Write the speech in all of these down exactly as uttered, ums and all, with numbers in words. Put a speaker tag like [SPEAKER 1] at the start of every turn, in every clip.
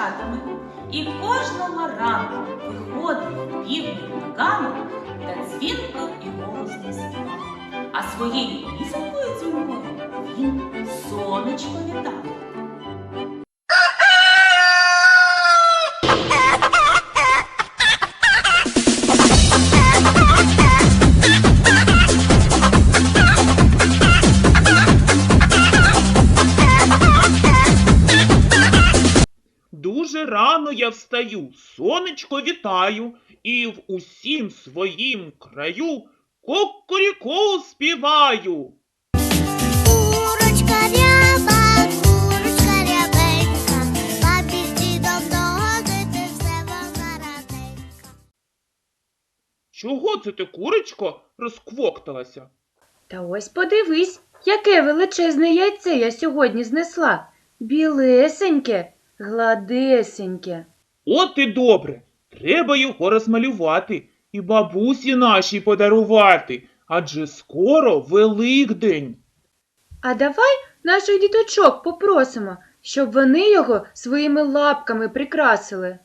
[SPEAKER 1] дівчатами. І кожного ранку виходив півник на ганок та дзвінко і голосно співав. А своєю пісенькою дзвінкою він сонечко вітав.
[SPEAKER 2] Дуже рано я встаю, сонечко вітаю, і в усім своїм краю кукуріку співаю.
[SPEAKER 3] Курочка ряба, курочка рябенька, бабі з дідом догодити все вона раденька.
[SPEAKER 2] Чого це ти, курочко, розквокталася?
[SPEAKER 4] Та ось подивись, яке величезне яйце я сьогодні знесла. Білесеньке, гладесеньке.
[SPEAKER 2] От і добре, треба його розмалювати і бабусі нашій подарувати, адже скоро Великдень.
[SPEAKER 4] А давай наших діточок попросимо, щоб вони його своїми лапками прикрасили.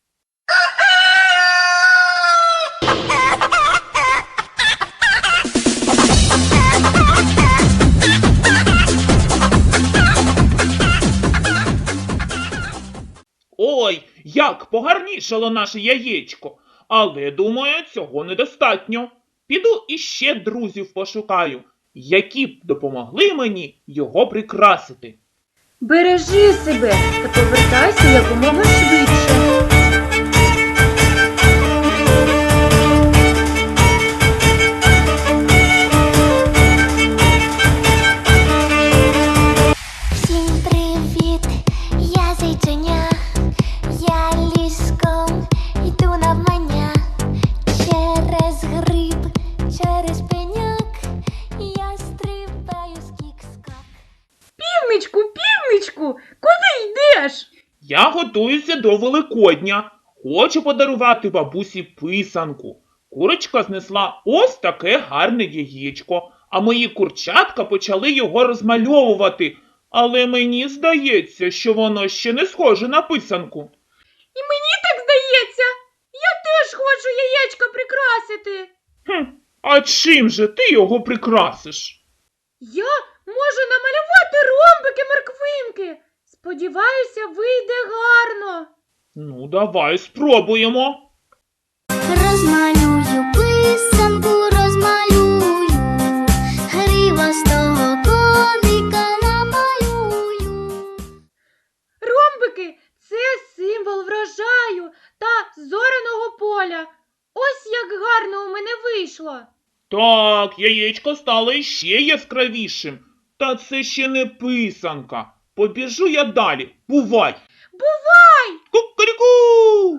[SPEAKER 2] Ой, як погарнішало наше яєчко, але, думаю, цього недостатньо. Піду іще друзів пошукаю, які б допомогли мені його прикрасити.
[SPEAKER 4] Бережи себе та повертайся якомога швидше.
[SPEAKER 3] Всім привіт, я зайченя, я ліском йду навмання. Через гриб, через пеняк, я стрибаю скік-скак.
[SPEAKER 4] Півничку, півничку, куди йдеш?
[SPEAKER 2] Я готуюся до Великодня. Хочу подарувати бабусі писанку. Курочка знесла ось таке гарне яєчко, а мої курчатка почали його розмальовувати. Але мені здається, що воно ще не схоже на писанку.
[SPEAKER 4] І мені так здається. Я теж хочу яєчко прикрасити.
[SPEAKER 2] Хм, а чим же ти його прикрасиш?
[SPEAKER 4] Я можу намалювати ромбики, морквинки. Сподіваюся, вийде гарно.
[SPEAKER 2] Ну, давай спробуємо.
[SPEAKER 3] Розмалюю писанку, розмалюю, гривастого коника намалюю.
[SPEAKER 4] Ромбики – це символ врожаю та зоряного поля. Ось як гарно у мене вийшло.
[SPEAKER 2] Так, яєчко стало іще яскравішим. Та це ще не писанка. Побіжу я далі. Бувай!
[SPEAKER 4] Бувай!
[SPEAKER 2] Кукаріку!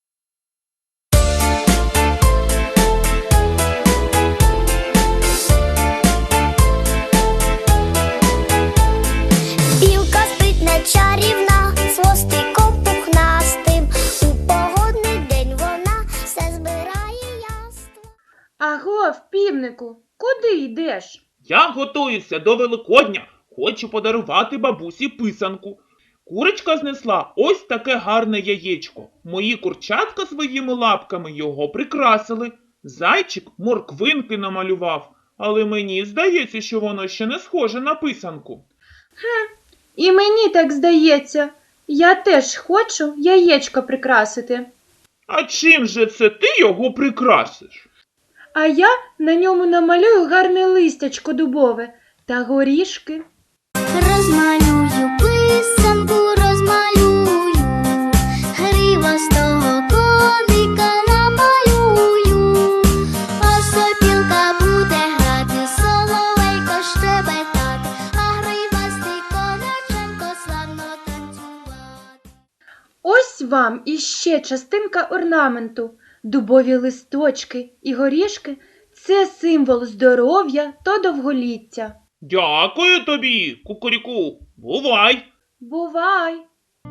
[SPEAKER 3] Білка спритна чарівна, з хвостиком пухнастим. У погодний день вона все збирає яство.
[SPEAKER 4] Агов, півнику, куди йдеш?
[SPEAKER 2] Я готуюся до Великодня. Хочу подарувати бабусі писанку. Курочка знесла ось таке гарне яєчко. Мої курчатка своїми лапками його прикрасили. Зайчик морквинки намалював. Але мені здається, що воно ще не схоже на писанку.
[SPEAKER 4] І мені так здається. Я теж хочу яєчко прикрасити.
[SPEAKER 2] А чим же це ти його прикрасиш?
[SPEAKER 4] А я на ньому намалюю гарне листячко дубове та горішки.
[SPEAKER 3] Розмалюю писанку, розмалюю, гривастого коника намалюю. А сопілка буде грати, соловейко щебетати, а гривастий коняченко славно танцювати.
[SPEAKER 4] Ось вам іще частинка орнаменту. Дубові листочки і горішки – це символ здоров'я та довголіття.
[SPEAKER 2] Дякую тобі, кукуріку. Бувай!
[SPEAKER 4] Бувай!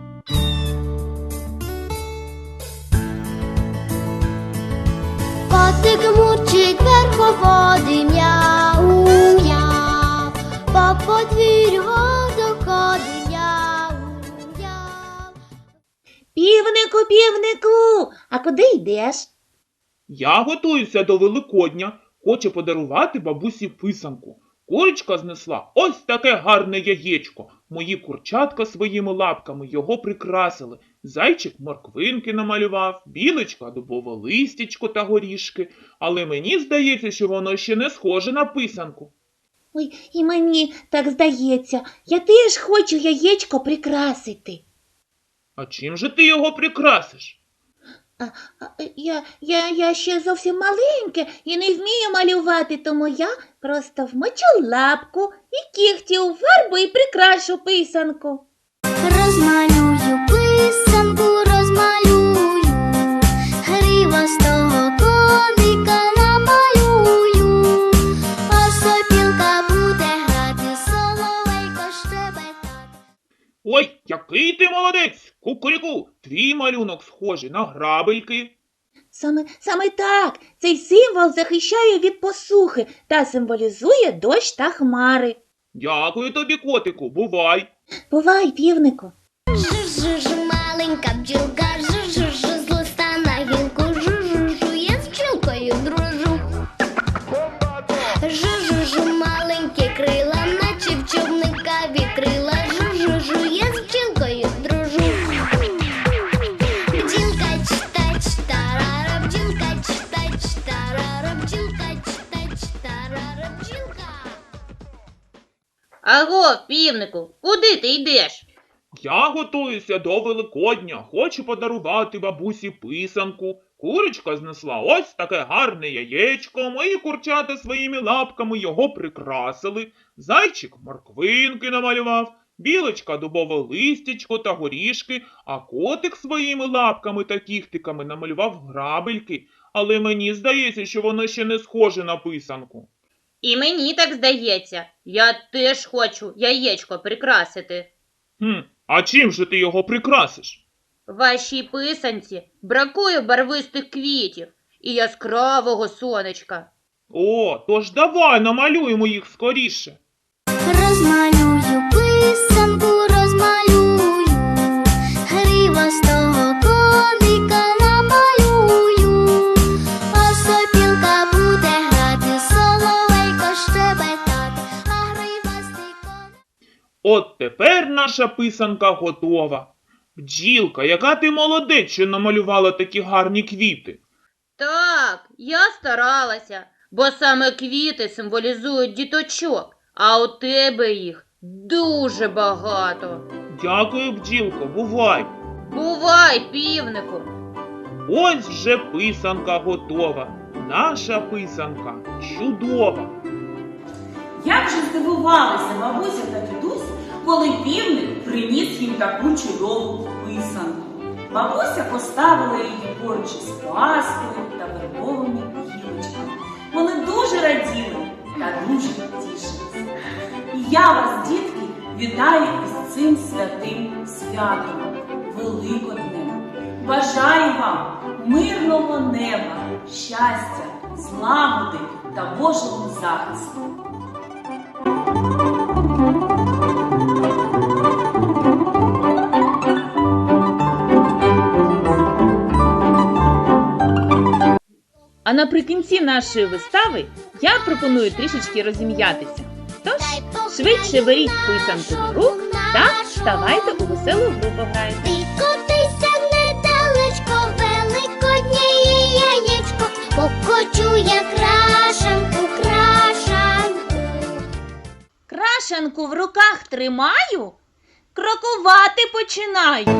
[SPEAKER 3] Котик мурчить верховоди, мяу-мяу, по подвір'ю доходить, мяу-мяу.
[SPEAKER 5] півнику, а куди йдеш?
[SPEAKER 2] Я готуюся до Великодня, хочу подарувати бабусі писанку. Курочка знесла ось таке гарне яєчко. Мої курчатка своїми лапками його прикрасили. Зайчик морквинки намалював, білочка дубове листячко та горішки. Але мені здається, що воно ще не схоже на писанку.
[SPEAKER 5] Ой, і мені так здається, я теж хочу яєчко прикрасити.
[SPEAKER 2] А чим же ти його прикрасиш?
[SPEAKER 5] А, а, я, я, я ще зовсім маленьке і не вмію малювати, тому я просто вмочу лапку і кігті у фарбу і прикрашу писанку.
[SPEAKER 3] Розмалюю писанку, розмалюю, гривастого коника намалюю, а сопілка буде грати, соловейко щебетати.
[SPEAKER 2] Ой, який ти молодець! Кукуріку, твій малюнок схожий на грабельки.
[SPEAKER 5] Саме, саме так, цей символ захищає від посухи та символізує дощ та хмари.
[SPEAKER 2] Дякую тобі, котику, бувай.
[SPEAKER 5] Бувай, півнику.
[SPEAKER 3] Жу-жу-жу, маленька бджілка, жу-жу-жу, з листа на гілку, жу-жу-жу, я з бджілкою дружу. Жу-жу-жу, маленькі крила, наче в човника вітрила, жу-жу-жу, я з бджілкою дружу. Бджілка читач, тарара, бджілка читач, тарара, бджілка читач, тарара, бджілка.
[SPEAKER 6] Аго, півнику, куди ти йдеш?
[SPEAKER 2] Я готуюся до Великодня, хочу подарувати бабусі писанку. Курочка знесла ось таке гарне яєчко, мої курчата своїми лапками його прикрасили. Зайчик морквинки намалював, білочка дубове листячко та горішки, а котик своїми лапками та кіхтиками намалював грабельки. Але мені здається, що воно ще не схоже на писанку.
[SPEAKER 6] І мені так здається. Я теж хочу яєчко прикрасити.
[SPEAKER 2] Хм, а чим же ти його прикрасиш?
[SPEAKER 6] Вашій писанці бракує барвистих квітів і яскравого сонечка.
[SPEAKER 2] О, тож давай намалюємо їх скоріше.
[SPEAKER 3] Розмалюю писанку, розмалюю, гривастого коника намалюю, а сопілка буде грати, соловейко щебетати, а гривастий коник.
[SPEAKER 2] От тепер наша писанка готова. Бджілка, яка ти молодець, що намалювала такі гарні квіти.
[SPEAKER 6] Так, я старалася, бо саме квіти символізують діточок, а у тебе їх дуже багато.
[SPEAKER 2] Дякую, бджілко, бувай.
[SPEAKER 6] Бувай, півнику!
[SPEAKER 2] Ось вже писанка готова. Наша писанка чудова.
[SPEAKER 1] Як же здивувалися бабуся та дідусь, коли півник приніс їм таку чудову писанку. Бабуся поставила її поруч із паскою та вербовими гілочками. Вони дуже раділи та дуже тішилися. І я вас, дітки, вітаю із цим святим святом, Великоднем. Бажаю вам мирного неба, щастя, злагоди та Божого захисту.
[SPEAKER 7] А наприкінці нашої вистави я пропоную трішечки розім'ятися. Тож, швидше беріть писанку до рук та вставайте у веселу гру пограйте.
[SPEAKER 3] Ти котися недалечко, великоднє яєчко, покочу я крашанку, крашанку.
[SPEAKER 5] Крашанку в руках тримаю, крокувати починаю.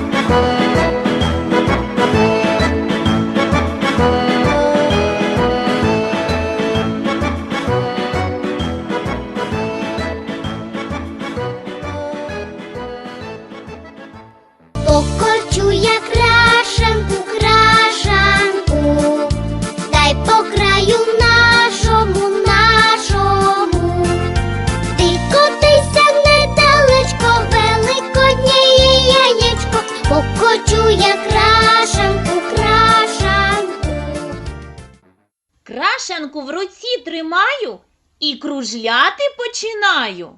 [SPEAKER 3] Покочу я крашанку, крашанку, дай по краю нашому, нашому. Ти котися недалечко, великоднє яєчко, покочу я крашанку, крашанку.
[SPEAKER 5] Крашанку в руці тримаю і кружляти починаю.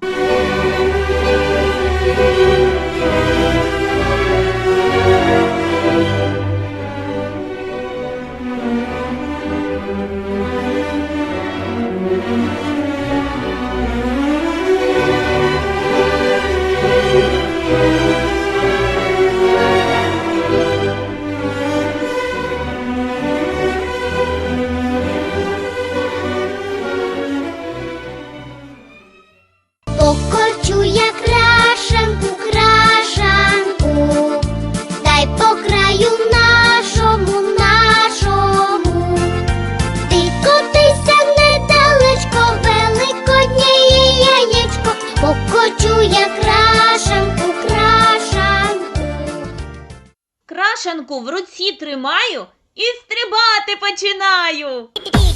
[SPEAKER 6] Крашанку в руці тримаю і стрибати починаю.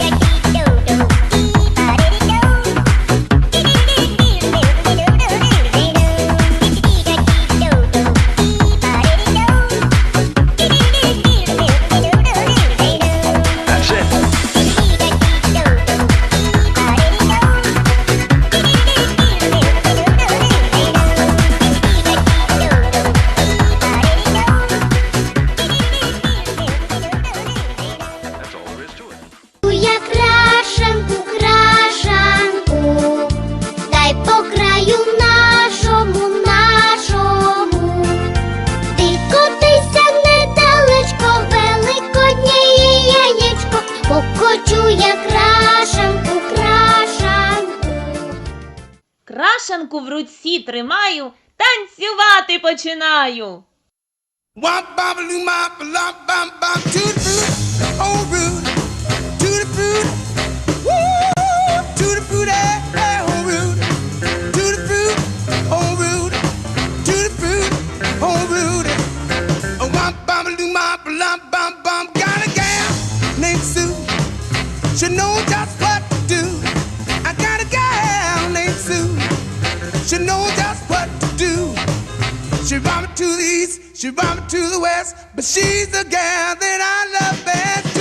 [SPEAKER 3] Я крашенку, крашенку, дай по краю нашому, нашому. Ти котися недалечко, великоднє яєчко, покочу я крашенку, крашенку.
[SPEAKER 6] Крашанку в руці тримаю, танцювати починаю.
[SPEAKER 8] Wop bop loo mop lop bop bop to the fruit, oh root, to the fruit, woo, to the fruit, eh, eh, oh root, to the fruit, oh root, to the fruit, oh root. Oh wop bop loo mop lop bop bop, got a gal named Sue, she knows just what to do. I got a gal named Sue, she knows just what to do. She brought me to the east, she brought me to the west, but she's the gal that I love best.